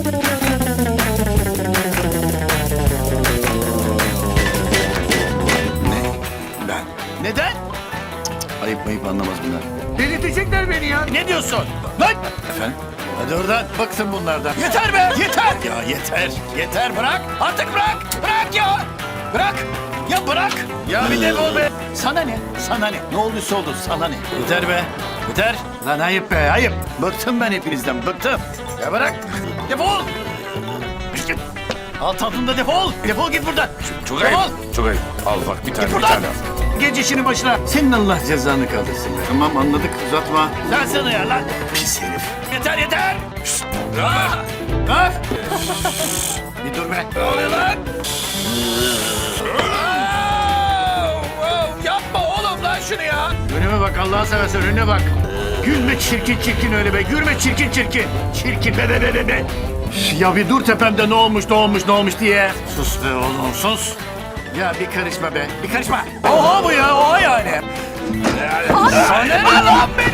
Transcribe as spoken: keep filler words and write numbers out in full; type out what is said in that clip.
Ne? Ben. Neden? Ayıp ayıp anlamaz bunlar. Delirtecekler beni ya. Ne diyorsun? Lan! Efendim? Hadi oradan. Bıktım bunlardan. Yeter be! Yeter! Ya yeter! Yeter bırak! Artık bırak! Bırak ya! Bırak! Ya bırak! Ya bir defol be! Sana ne? Sana ne? Ne olduysa oldu. Sana ne? Yeter be! Yeter! Lan ayıp be! Ayıp! Bıktım ben hepinizden. Bıktım! Ya bırak! Defol! Git! Al tatlında defol! Defol git buradan! Çok defol! ayıp. Çok ayıp. Al bak bir tane Git bir buradan! tane. Geç işinin başına! Senin Allah cezanı kaldırsın be! Tamam anladık uzatma. Lan sana ya lan! Pis herif! Yeter yeter! Ah! Ah! Bir dur be! Ne oluyor lan? Yapma oğlum lan şunu ya! Önüme bak Allah'a seversen önüne bak! Gülme çirkin çirkin öyle be! Gülme çirkin çirkin! Çirkin be be be be be! Ya bir dur tepemde ne olmuş ne olmuş ne olmuş diye! Sus be oğlum sus! Ya bir karışma be! Bir karışma! Oha bu ya! Oha yani! Sana ne lan be?